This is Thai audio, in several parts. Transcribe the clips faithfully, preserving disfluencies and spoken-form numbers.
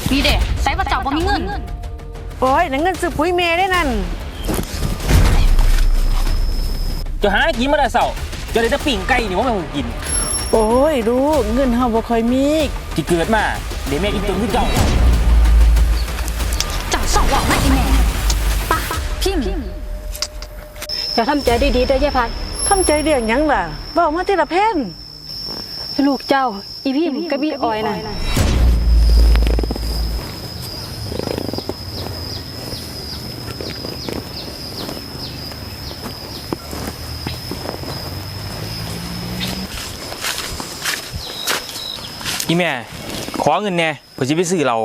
นี่เด็ใส่ว่าเจ้าบ่มีเงินโอ้ยนั่นเงินซื้อปุ๋ยเมย์ได้นั่นจะหากินมาได้เศร้าจะได้จะปิ่งไก่นี่ว่ามันกินโอ้ยดูเงินเฮาบ่ค่อยมีที่เกิดมาเดี๋ยวแม่กินจนขึ้นเก่าเจ้าสองว่าไม่อีแม่ปะพิมพ์จะทำใจดีๆเด้อยายพัดทำใจเรื่องหยังล่ะบอกมาทีละแผ่นลูกเจ้าอีพิมกับอีออยน่ะอีแม่ขอเงินแน่เพื่อจะไปซื้อเรา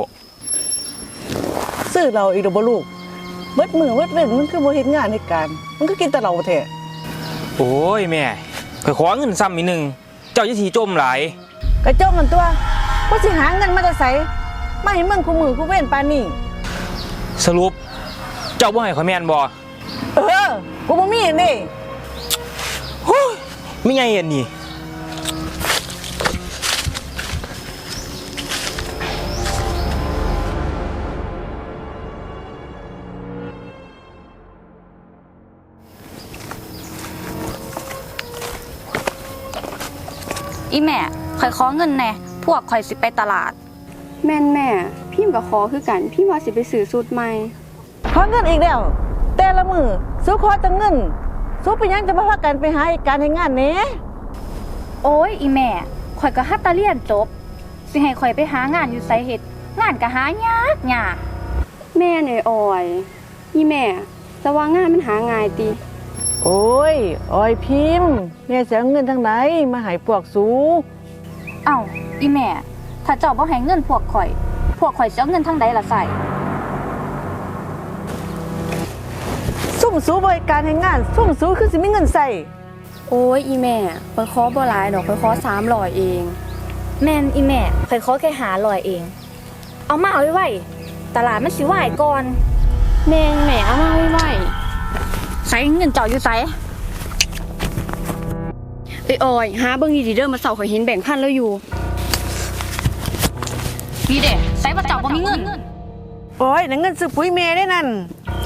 ซื้อเราอีกดอกบ่ลูกเบิดมือเบิดเว้นมันคือบ่เฮ็ดงานในการมันก็กินแต่เราแท้โอ้ยแม่เคยขอเงินซ้ำอีกหนึ่งเจ้าจะทีจมหลายกระจมมันตัวกูสิหาเงินมาจะใส่มาให้มึงคู่มือคู่เว้นปานนี้สรุปเจ้าบ่ให้ขอแม่นบ่เออกูบ่มีนี่โอ้ยไม่ไงอันนี้อีแม่ข่อยขอเงินแน่พวกข่อยสิไปตลาดแม่นแม่พิมพ์กับขอคือกันพิมพ์ว่าสิไปซื้อสูตรใหม่ขอเงินอีกแล้วแต่ละมือสู้ขอแต่เงินสู้ไปยังจะมาพากันไปหาการให้งานเน่โอ้ยอีแม่ข่อยก็ฮัตตาเรียนจบสิให้ข่อยไปหางานอยู่ไสเฮ็ดงานก็หายากยากแม่เนยออยอีแม่แต่ว่างานมันหาง่ายติโอ้ยออยพิมพ์แม่จะเอาเงินทางไหนมาให้พวกสูเอ้าอีแม่ถ้าเจ้าบ่ให้เงินพวกข่อยพวกข่อยจะเอาเงินทางใดล่ะใส่ซุ่มสูบริการให้งานซุ่มสูคือสิมีเงินใส่โอ้ยอีแม่ข่อยขอบ่หลายดอกข่อยขอสามร้อยเองแม่นอีแม่ข่อยขอแค่ห้าร้อยเองเอามาเอาไว้ตลาดมันสิวายก่อนแม่แม่เอามาไว้ใส่เงินเจ้าอยู่ไสไอ้ออยหาเบิ่งดีๆเด้อมาเซาข่อยเห็นแบ่งพันแล้วอยู่นี่เด้ใส่ว่าเจ้าบ่มีเงินโอ้ยนั่นเงินซื้อปุ๋ยเมย์ได้นั่น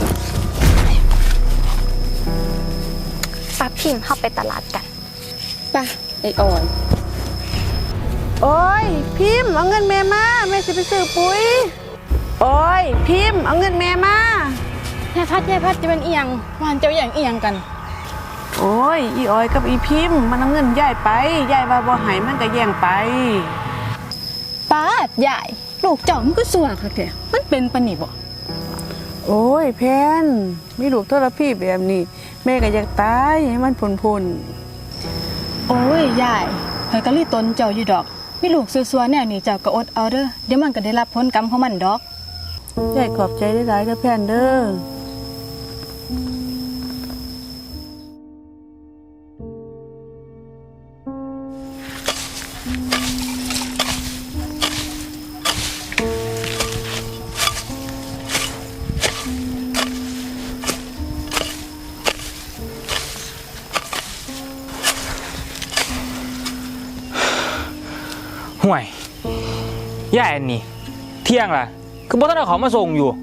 ป้าพิมพ์เข้าไปตลาดกันป่ะไอ้ออยโอ้ยพิมพ์เอาเงินแม่มาแม่สิไปซื้อปุ๋ยโอ้ยพิมพ์เอาเงินแม่มายายพัดยายพัดจะเป็นเอียงวานเจ้าอย่างเอียงกันโอ้ยอีออยกับอีพิมพ์มันเอาเงินยายไปยายว่าบ่ให้มันก็แย่งไปป้าดยายลูกเจ้ามันก็สัวค่ะแกมันเป็นปานนี้บ่โอ้ยแพนมีลูกทรพีแบบนี้แม่ก็อยากตายให้มันพ้นๆโอ้ยยายข่อยก็รีตนเจ้าอยู่ดอกมีลูกซัวๆแนวนี้เจ้าก็อดเอาเด้อเดี๋ยวมันก็ได้รับผลกรรมของมันดอกยายขอบใจหลายๆเด้อแพนเด้อห่วยย่าอันนี้เที่ยงล่ะคือบ่ต้องเอาเขามาส่งอยู่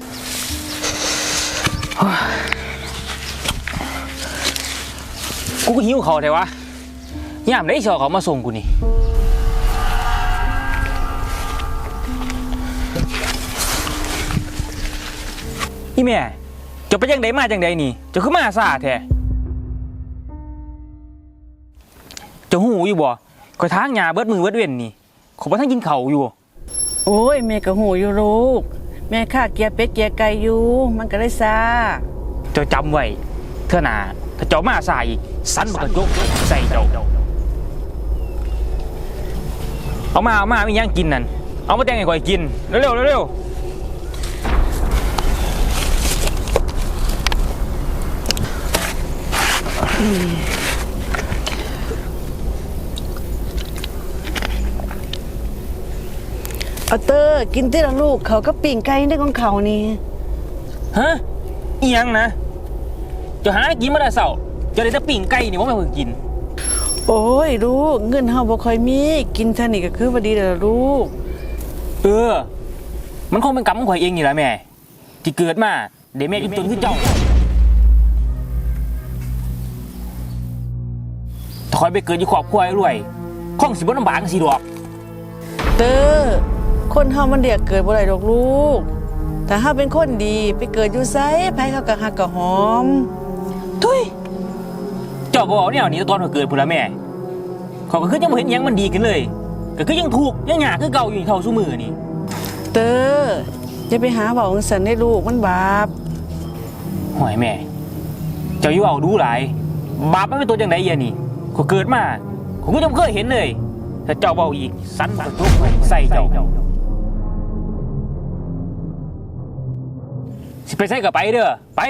กูก็หิวเขาแต่ว่าย่ามได้ชอเขามาส่งกูนี่อีแม่จะไปจังใดมาจังใดนี่จะขึ้นมาซาแท้จะหูอยู่บ่คอยทางหญ้าเบิดมือเบิดเว้นนี่ขอบ่ทันกินข้าวอยู่โอ้ยแม่ก็หูอยู่ลูกแม่ข้าเกียร์เป็ดเกียร์ไก่อยู่มันก็เลยซาเจ้าจำไว้เท่าน่ะถ้าเจ้ามาซาอีกสันบ่กระจกใส่เจ้าเอามาเอามามีหยังกินนั่นเอามาแต่งให้ข่อยกินเร็วๆเร็วๆเอาเตอร์กินที่ละลูกเขาก็ปิ่งไก่ได้ของเขานี่ฮะอีหยังนะจะหากินมาได้เศร้าจะได้จะปิ่งไก่นี่ว่าไม่เพิ่งกินโอ้ยลูกเงินเฮาบ่ค่อยมีกินเท่านี้ก็คือว่าดีแล้วลูกเออมันคงเป็นกรรมของข่อยเองนี่แหละแม่ที่เกิดมาเดี๋ยวแม่อีตุนคือเจ้าถ้าข่อยไปเกิดอยู่ครอบครัวรวยคงสิบ่ลำบากจังซี่ดอกเตอร์คนเฮามันเรียกเกิดบ่ได้ดอกลูกแต่เฮาเป็นคนดีไปเกิดอยู่ไสไผเขาก็ฮักก็หอมทุยเจ้าบ่เอาแนวนี้ตอนข่อยเกิดพุ่นละแม่ข่อยก็คือยังบ่เห็นหยังมันดีขึ้นเลยก็คือยังถูกยังหยาคือเก่าอยู่เท่าซุมื้อนี่เตอร์อย่าไปหาเว้าจังซั่นได้ลูกมันบาปห่วยแม่ เจ้าอยู่เอาดูหลายบาปมันเป็นตัวจังไดเอียนี่ข่อยเกิดมาข่อยก็ยังบ่เคยเห็นเลยถ้าเจ้าเว้าอีกสันบ่ทุกใส่เจ้าสิไปใส่ก็ไปเด้อไป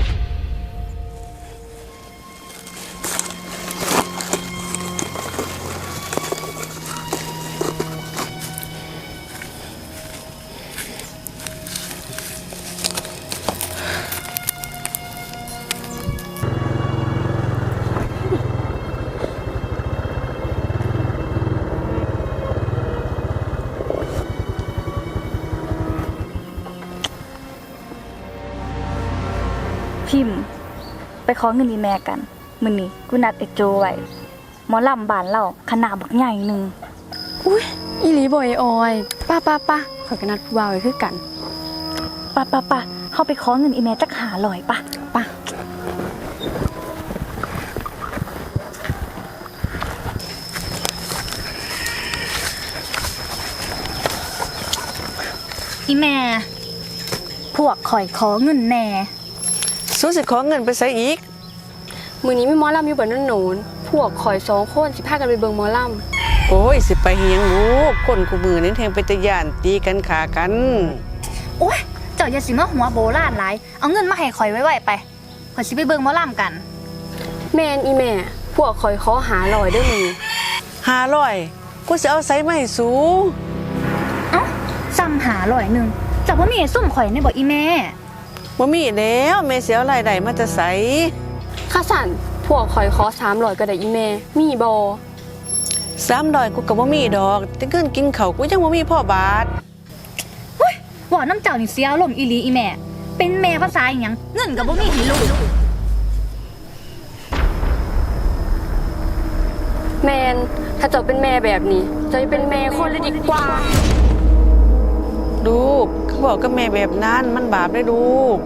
พิมพ์ไปขอเงินอีแม่กันมื้อนี้กูนัดไอ้โจไว้หมอลำบ้านเราคณะบักใหญ่หนึงอุ้ยอีหลีบ่อยออยป้าป้าป้าขอยกันนัดผู้บ่าวไว้คือกันปะปะปะเฮาไปขอเงินอีแม่จักหาร้อยปะป้าอีแม่พวกข่อยขอเงินแหน่สู้สิขอเงินไปไสอีกมื้อนี้มีหมอลำอยู่บ้านโน้นพวกข่อยสองคนสิพากันไปเบิ่งหมอลโอ้ยสิไปเฮียงลูกคนกูมือนี่แทงไปตะย่านตีกันขากันโอ๊ยเจ้าอย่าสิมาหัวโบราณหลายเอาเงินมาให้ข่อยไว้ๆไปข่อยสิไปเบิ่งหมอลำกันำแม่นอีแม่พวกข่อยขอหาลอยเด้อมื้อห้าร้อยกูสิเอาไสมาให้สูเอ้าซ้ำหาร้อยหนึงเจ้าบ่มีให้ซุ่มข่อยในบ่อีแม่บ่มีแล้วแม่สิเอารายได้มาจะไสข้าสั่นพวกข่อยขอสามร้อยก็ได้อีแม่มีบ่สามร้อยกูก็บ่มีดอกแต่เงินกินข้าวกูยังบ่มีพ่อบาทเฮ้ยว่าน้ำเจ้านี่เสียอารมณ์อีหลีอีแม่ เป็นแม่ภาษาอีหยังเงินก็บ่มีให้ลูกแม่นถ้าเจ้าเป็นแม่แบบนี้เจ้าจะเป็นแม่คนเลยดีกว่าลูกเขาบอกกับแม่แบบนั้นมันบาปได้ลูก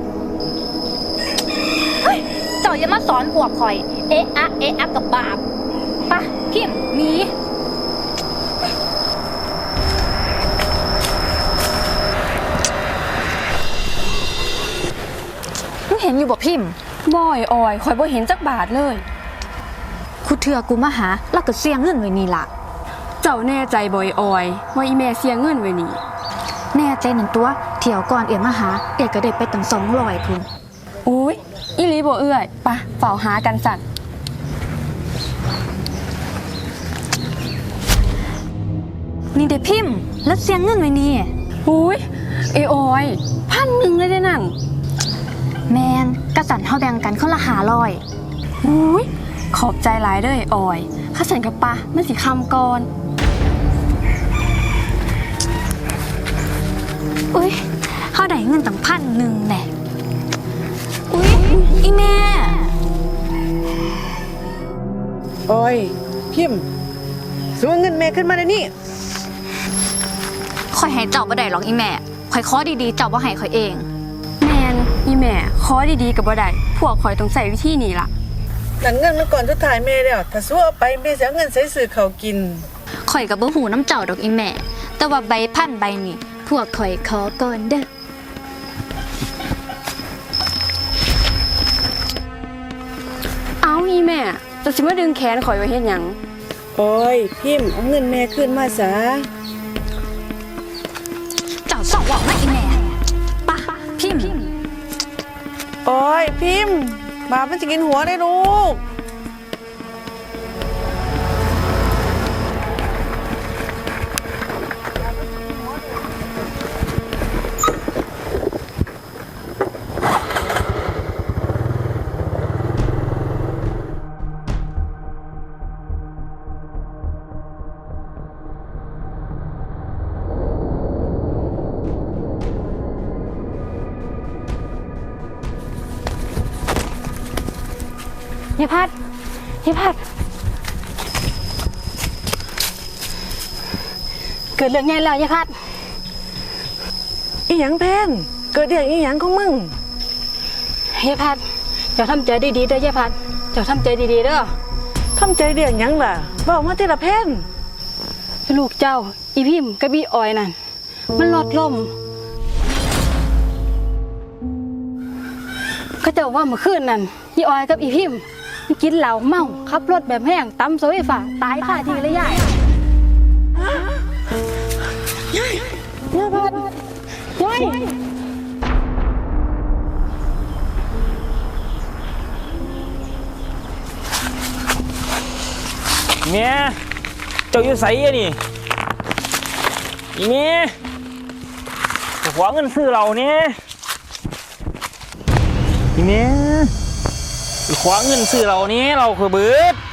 เฮ้ยเจ้าอย่ามาสอนพวกข่อย เอะอะเอะอะกับบาปปะพิมพ์หนี มึงเห็นอยู่บ่พิมพ์บ่อยออยข่อยบ่เห็นจักบาทเลยคุเถื่อกูมาหาแล้วก็เสียเงินไว้นี่ล่ะเจ้าแน่ใจบ่อยออยว่าอีแม่เสียเงินไว้นี่แน่ใจหนึ่งตัวเที่ยวก่อนเอ๋มาหาเอ๋ก็ได้ไปตั้งสองร้อยพุ่นอุ้ยอีหลีบ่เอื้อยปะเฝ้าหากันสั่นนี่เด้พิมพ์แล้วเสียเงินไว้นี่อุ้ยเอออยพันหนึ่งเลยได้นั่นแมนกระสันเฮาแบ่งกันคนละหาร้อยอุ้ยขอบใจหลายเด้อออยข้าสันกับปะมันสิคำก่อนอุ้ยเฮาได้เงินตั้งพันหนึ่งแหน่อุ้ยอีแม่โอ้ยพิมพ์สูเงินแม่ขึ้นมาเดี๋ยวนี้ข่อยให้เจ้าบ่ได้หรอกอีแม่ข่อยขอดีๆเจ้าบ่ให้ข่อยเองแมนอีแม่ขอดีๆกับบ่ได้พวกข่อยต้องใส่วิธีนี้ล่ะนั่นเงินมันก่อนสุดท้ายแม่แล้วถ้าสู้เอาไปแม่สิเอาเงินใส่ซื้อข้าวกินข่อยก็บ่ฮู้น้ำเจ้าดอกอีแม่ แต่ว่าใบพันใบนี่พวกข่อยขอก่อนเด้อเอาอีแม่จะสิมาดึงแขนข่อยไว้เฮ็ดหยังโอ้ยพิมพ์เอาเงินแม่ขึ้นมาซะเจ้าสองบอกมาอีแม่ปะพิมพ์โอ้ยพิมพ์บาปมันจะกินหัวได้ลูกยายพัดยายพัดเกิดเรื่องใหญ่แล้วยายพัดอีหยังแพนเกิดเรื่องอีหยังของมึงยายพัดเจ้าทำใจดีๆเด้อยายพัดเจ้าทำใจดีๆเด้อทำใจเรื่องหยังล่ะบอกมาทีละแพนลูกเจ้าอีพิมพ์กับอีออยนั่นมันลดลมเขาเจ้าว่าเมื่อคืนนั่นอีออยกับอีพิมพ์มันกินเหล้าเมาขับรถแบบแห้งตำโซไฟฟ้าตายคาที่เลยยายยายยายพัดยายเมียเจ้าอยู่ไสอะนี่อีเมียขอเงินซื้อเราเนี่ยอีเมียขอเงินซื้อเราเนี่ยเราคือเบิด